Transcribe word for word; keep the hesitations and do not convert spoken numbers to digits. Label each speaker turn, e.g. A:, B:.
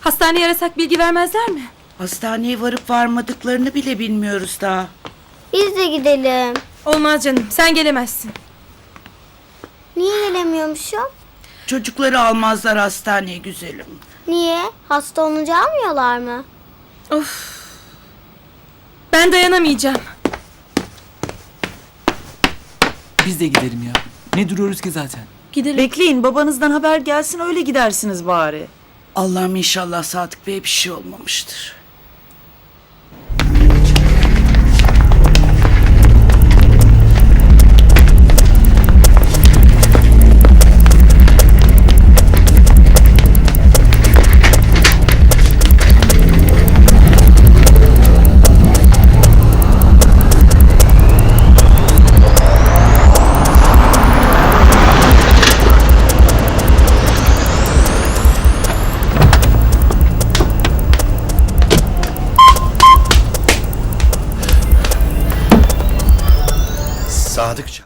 A: Hastaneye arasak bilgi vermezler mi?
B: Hastaneye varıp varmadıklarını bile bilmiyoruz daha.
C: Biz de gidelim.
A: Olmaz canım, sen gelemezsin.
C: Niye gelemiyormuşum?
B: Çocukları almazlar hastaneye güzelim.
C: Niye? Hasta olunca almıyorlar mı?
A: Of. Ben dayanamayacağım.
D: Biz de gidelim ya. Ne duruyoruz ki zaten?
A: Gidelim.
E: Bekleyin, babanızdan haber gelsin, öyle gidersiniz bari.
B: Allah'ım inşallah Sadık Bey'e bir şey olmamıştır.
F: Sadıkça.